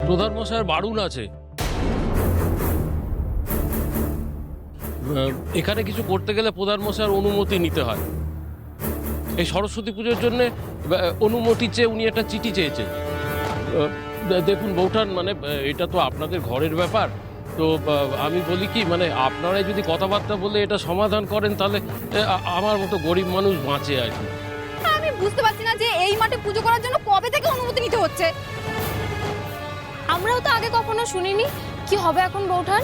প্রধান মশাইয়ের বারণ আছে। এখানে কিছু করতে গেলে প্রধান মশাইয়ের অনুমতি নিতে হয়। এই সরস্বতী পুজোর জন্য অনুমতি চেয়ে উনি একটা চিঠি চেয়েছেন। দেখুন বৌঠান, মানে এটা তো আপনাদের ঘরের ব্যাপার, তো আমি বলি কি, মানে আপনারাই যদি কথাবার্তা বলে এটা সমাধান করেন তাহলে আমার মতো গরিব মানুষ বাঁচে আর কি। আমি বুঝতে পারছি না যে এই মাঠে পুজো করার জন্য কবে থেকে অনুমতি নিতে হচ্ছে। আমরাও তো আগে কখনো শুনিনি। কি হবে এখন বৌঠান?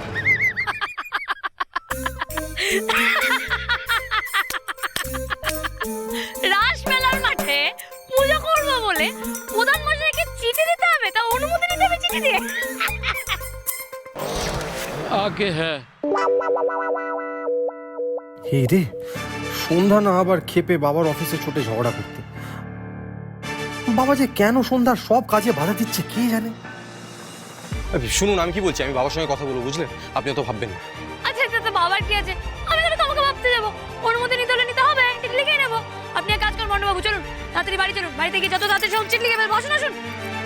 রাসমেলার মাঠে পুজো করবো বলে প্রধান মশাইকে চিঠি দিতে হবে, তা অনুমতি নিতে হবে চিঠি দিয়ে। আগে হ্যাঁ। এই রে, সন্ধ্যা না আবার খেপে বাবার অফিসে ছোটে ঝগড়া করতে। বাবা যে কেন সন্ধ্যার সব কাজে বাধা দিচ্ছে কে জানে। শুনুন, আমি কি বলছি, আমি বাবার সঙ্গে কথা বলবো, বুঝলেন? আপনি তো ভাববেন না। আচ্ছা আচ্ছা, তো বাবার কি আছে? আমি কেন তোমাকে ভাবতে যাবো? অনুমতি নিতে হলে নিতে হবে, চিঠি লিখে নেবো। আপনি এক কাজ করুন মন্ডবাবু, চলুন তাড়াতাড়ি বাড়ি চলুন। বাড়িতে গিয়ে যত তাড়াতাড়ি সব চিঠি লিখে ফেলবো। আসুন আসুন।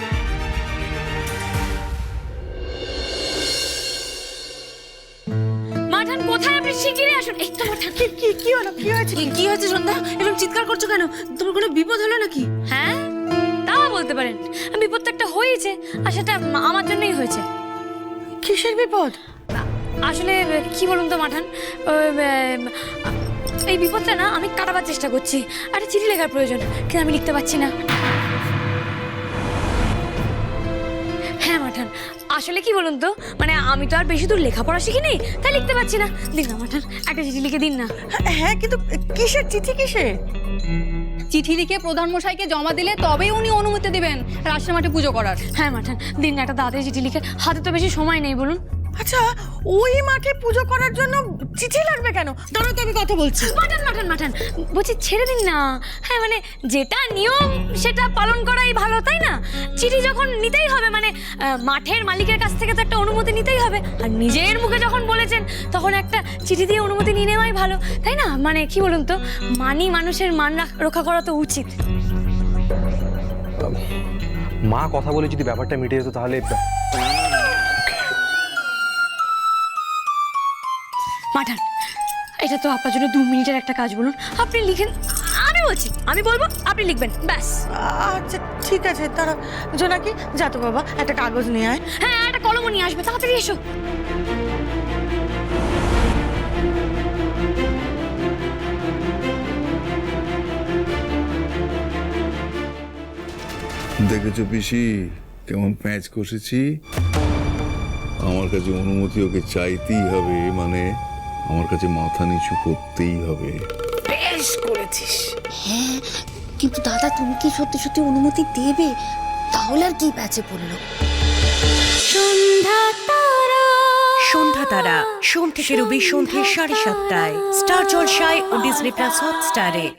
মাঠান কোথায়? আপনি শিগগিরই আসুন। এই তো মাঠান। কি হলো? কি হয়েছে? কি হয়েছে সন্ধ্যা? এরকম চিৎকার করছো কেন? তোমার কোনো বিপদ হলো নাকি? হ্যাঁ, তা বলতে পারেন। বিপদ তো একটা হয়েছে, আর সেটা আমার জন্যই হয়েছে। কিসের বিপদ? আসলে কি বলুন তো মাঠান, এই বিপদটা না আমি কাটাবার চেষ্টা করছি। একটা চিঠি লেখার প্রয়োজন, কিন্তু আমি লিখতে পারছি না। হ্যাঁ মাঠান, আসলে কি বলুন তো, মানে আমি তো আর বেশি দূর লেখাপড়া শিখিনি, তাই লিখতে পারছি না। দিন না মাঠান, একটা চিঠি লিখে দিন না। হ্যাঁ, কিন্তু কিসের চিঠি? কিসের চিঠি লিখে প্রধান মশাইকে জমা দিলে তবেই উনি অনুমতি দিবেন রাসের মাঠে পুজো করার। হ্যাঁ মাঠান, দিন না একটা তাড়াতাড়ি চিঠি লিখে। হাতে তো বেশি সময় নেই, বলুন। আচ্ছা, ওই মাঠে পুজো করার জন্য চিঠি লাগবে কেন? দাঁড়াও তো, আমি কথা বলছি। মাঠান মাঠান মাঠান, বলছি ছেড়ে দিন না। হ্যাঁ মানে যেটা নিয়ম সেটা পালন করাই ভালো, তাই না? চিঠি যখন নিতেই হবে, মানে মাঠের মালিকের কাছ থেকে তো একটা অনুমতি নিতেই হবে। আর নিজের মুখে যখন বলেছেন তখন একটা চিঠি দিয়ে অনুমতি নিয়ে নেওয়াই ভালো, তাই না? মানে কি বলুন তো, মানুষের মান রক্ষা করা তো উচিত। মা কথা বলে যদি ব্যাপারটা মিটে যেত তাহলে। মাঠান, এটা তো আপনার জন্য 2 মিনিটের একটা কাজ, বলুন আপনি লিখেন। আমি বলছি, আমি বলবো, আপনি লিখবেন, ব্যাস। আচ্ছা ঠিক আছে, তারা জোনাকি যা তো বাবা, একটা কাগজ নিয়ে আয়। হ্যাঁ, একটা কলমও নিয়ে আসবে, তাড়াতাড়ি এসো। দেখেছো পিসি কেমন প্যাঁচ কষেছি? আমার কাছে অনুমতি ওকে চাইতেই হবে, মানে আমার কাছে মাথা নিচু করতেই হবে। বেশ করেছিস। হ্যাঁ, কিন্তু দাদা তুমি কি সত্যি সত্যি অনুমতি দেবে? তাহলে আর কি প্যাচে পড়লো? সন্ধ্যা তারা সোম থেকে রবি সন্ধ্যে 7:30টায় স্টার জলসায় ও ডিজনি প্লাস হটস্টারে।